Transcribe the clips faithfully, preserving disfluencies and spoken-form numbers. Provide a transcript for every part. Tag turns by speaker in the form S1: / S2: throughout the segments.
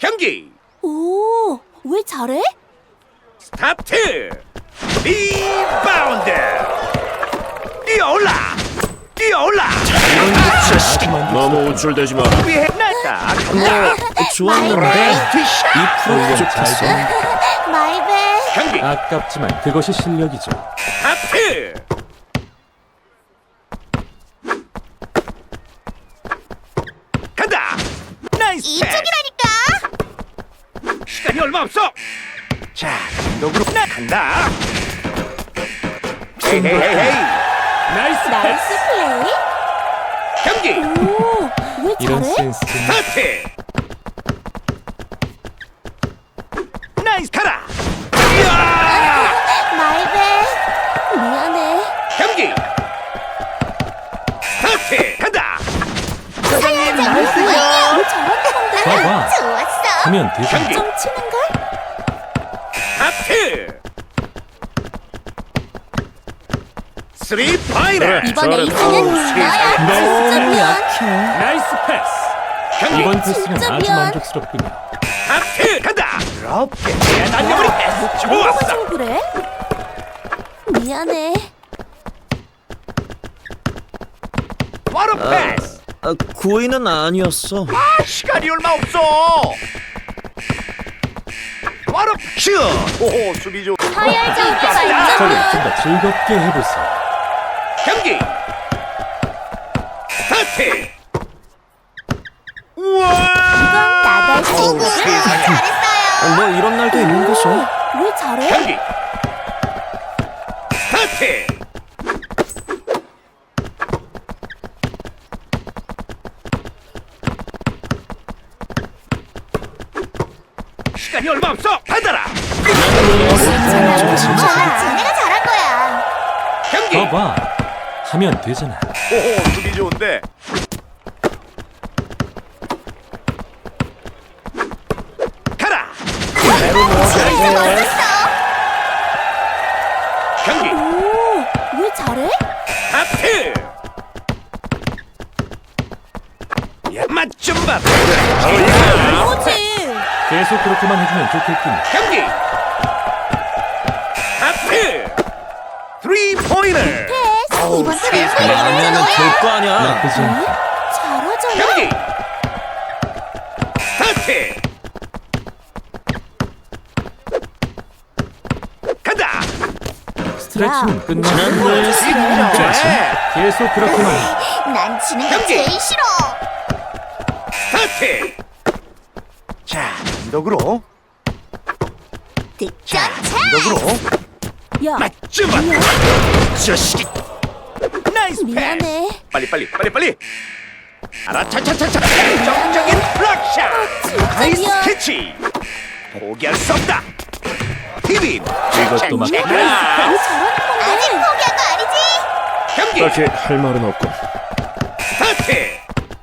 S1: 경기
S2: 오, 왜 잘해?
S1: 스타트. 리바운드. 뛰어올라. 뛰어올라.
S3: 너무 우쭐대지 마.
S1: 수비해 놨다. 간다.
S3: 좋았는데 이 프로 부족했어.
S2: 마이백.
S1: 경기
S4: 아깝지만 그것이 실력이죠.
S1: 스타트. 간다. 나이스 패스.
S2: 이쪽이라니까.
S1: 시간이 얼마 없어. 자, 감독으로 나 간다. 헤이 헤이 헤이 헤이.
S4: 나이스
S2: 나이스 플레이.
S1: 경기
S2: 오, 왜
S4: 이런
S2: 잘해?
S4: 센스.
S1: 스타트. 나이스 가라. 이야!
S2: 마이백. 미안해.
S1: 경기 스타트. 간다.
S2: 사장님 나이스요. 왜 잘한다 건데?
S4: 봐봐.
S2: 좋았어.
S4: 하면 되죠.
S1: 경기
S2: 좀 치는 걸?
S1: 스타트. 쓰리 파이널.
S2: 이번
S3: 잘했다.
S2: 에이스는 나야. 진짜 미안.
S4: 나이스 패스.
S1: 경기
S4: 이번 패스는
S2: 진짜
S4: 아주
S2: 미안.
S4: 만족스럽군요.
S1: 스타트. 간다. 부럽게 그냥 날려버리 패스.
S2: 뭐가
S1: 좋았어.
S2: 좀 그래? 미안해.
S1: 바로 패스.
S3: 아, 구위는 아니었어.
S1: 아, 시간이 얼마 없어. 바로 슛. 오호, 수비 좋.
S2: 하열적인
S4: 저를
S2: 발전.
S4: 좀 더 즐겁게 해보세요.
S1: 경기 스타트. 우와.
S2: 나도
S1: 어우, 세상에.
S2: 잘했어요.
S3: 뭐 이런 날도 있는 거죠.
S2: 왜 잘해?
S1: 경기 스타트. 시간이 얼마 없어. 받아라.
S2: 좋아, 내가 잘한 거야.
S1: 경기
S4: 봐봐. 하면 되잖아.
S1: 오호, 수비 좋은데. 가라.
S2: 진짜 멋졌어.
S1: 경기
S2: 오, 왜 잘해?
S1: 하트. 야, 맛좀 봐.
S2: 그거지.
S4: 계속 그렇게만 해주면 좋겠군요.
S1: 경기 하트. 쓰리 포인터.
S2: 패스. 이번
S1: 세상에.
S2: 턴에
S3: 아니면 될 거 아니야.
S4: 나쁘지 않고.
S2: 잘하잖아.
S1: 경기 스타트. 간다.
S4: 스트레칭은 끝났고
S3: 지난번에
S1: 진짜.
S4: 계속 그렇게만 해.
S2: 난 지는 게
S1: 경기.
S2: 제일 싫어.
S1: 스타트. 자, 단독으로.
S2: 득점
S1: 자,
S2: 차.
S1: 단독으로.
S2: 야,
S1: 맞좀 봐. 자식이. 나이스 패스.
S2: 미안해.
S1: 빨리 빨리 빨리 빨리. 알아 차차차차. 정적인 블락샷.
S2: 진짜
S1: 나이스
S2: 미안.
S1: 캐치. 포기할 수 없다. 티빈.
S4: 이것도 막-
S2: 왜 잘하는 건데? 아직 포기한 거 아니지?
S1: 경기
S3: 딱히 할 말은 없고.
S1: 스타트.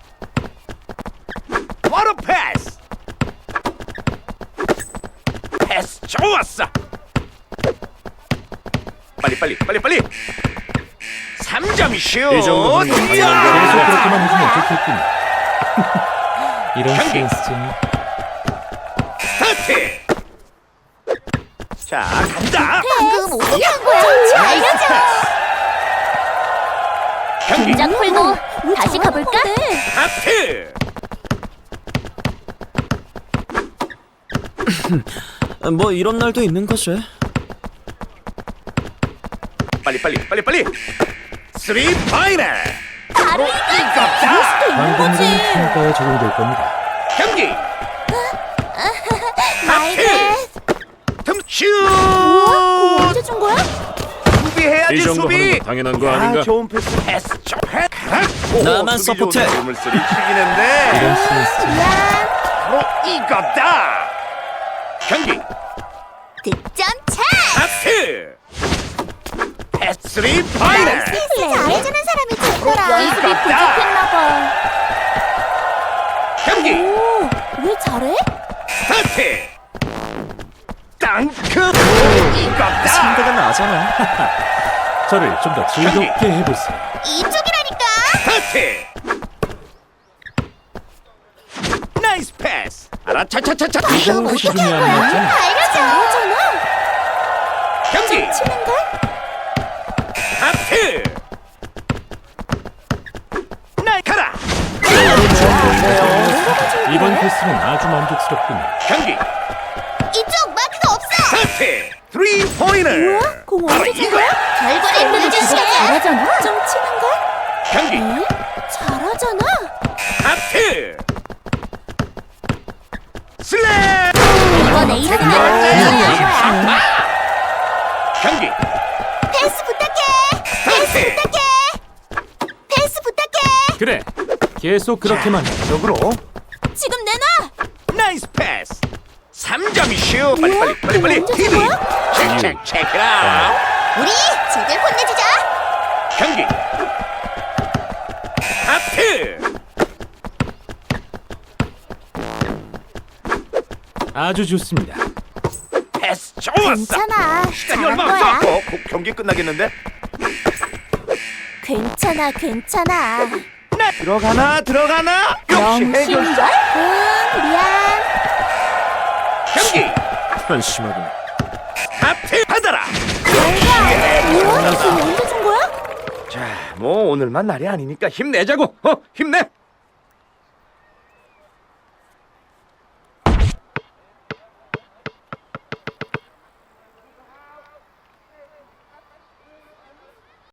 S1: 바로 패스. 패스 좋았어. 빨리 빨리 빨리 빨리. 삼 점 슛.
S3: 이 정도면
S4: 계속
S1: 이야!
S4: 그렇게만 해주면 좋겠군요. 이런
S1: 경기.
S4: 센스쟁이.
S1: 스타트. 자, 간다.
S2: 방금 어떻게 한 거야? 잘 알려줘.
S1: 경기
S2: 긴장 풀고 다시 가볼까?
S1: 스타트.
S3: 뭐 이런 날도 있는 거지.
S1: 빨리 빨리 빨리 빨리. 쓰리 파이널.
S2: 바로 이거.
S1: 이겼다.
S4: 방법은 평가에 적용될 겁니다.
S1: 경기
S2: 마이백.
S1: 틈슛.
S2: 우와, 언제 준 거야?
S1: 수비해야지
S3: 이 정도
S1: 수비.
S3: 하는 거 당연한 거
S1: 야,
S3: 아닌가?
S1: 좋은 패스. 패스 좀 해. 오,
S3: 나만
S1: 수비
S3: 서포트해.
S1: 좋은데 몸을 쓰리 튀기는데
S4: 이런 센스쟁이.
S2: 미안.
S1: 바로 이겼다. 경기
S2: 득점 차.
S1: 하트. 패스 쓰리 파이널.
S2: 패스 잘해주는 사람이 좋더라.
S1: 이겼다.
S2: 부족했나 봐.
S1: 경기
S2: 오, 왜 잘해?
S1: 스타트. 땅크. 이겼다.
S3: 상대가 나잖아.
S4: 저를 좀 더 즐겁게 해보세요.
S2: 이쪽이라니까.
S1: 스타트. 나이스 패스. 알아, 차차차차.
S4: 이런 것이
S2: 어떻게 한
S4: 중요한
S2: 거야?
S4: 거잖아.
S2: 알려줘. 잘하잖아.
S1: 경기.
S2: 치는 걸?
S1: 하트. 날카라.
S4: 이번 코스는 아주 만족스럽군요.
S1: 경기.
S2: 이쪽 마크가 없어.
S1: 하트. 쓰리 포인트.
S2: 뭐야? 공
S1: 바로
S2: 언제 준
S1: 이거야.
S2: 거야? 결과를 보여줄 시간이야. 잘하잖아. 좀 치는 걸?
S1: 경기.
S2: 응? 잘하잖아.
S1: 하트. 슬램.
S2: 이번에 이러는 거
S1: 아! 경기.
S2: 패스 부탁해. 패스 부탁해. 패스 부탁해.
S4: 그래, 계속 그렇게만 해.
S1: 쪽으로.
S2: 지금 내놔.
S1: 나이스 패스. 삼 점이슈. 빨리
S2: 뭐야?
S1: 빨리 빨리 빨리.
S2: 이거 언제
S1: 티비.
S2: 준 거야?
S1: 체크 체크 아웃.
S2: 우리 제대로 혼내주자.
S1: 경기. 하트.
S4: 아주 좋습니다.
S1: 패스 좋았어.
S2: 괜찮아.
S1: 시간이
S2: 잘한
S1: 얼마
S2: 거야.
S1: 없어. 어, 곧 경기 끝나겠는데?
S2: 괜찮아, 괜찮아.
S1: 네. 들어가나 들어가나? 역시 해결자.
S2: 응, 미안.
S1: 경기.
S3: 한심하군.
S1: 하트 받아라.
S2: 뭐야? 이거 언제 준 거야?
S1: 자, 뭐 오늘만 날이 아니니까 힘내자고. 어, 힘내.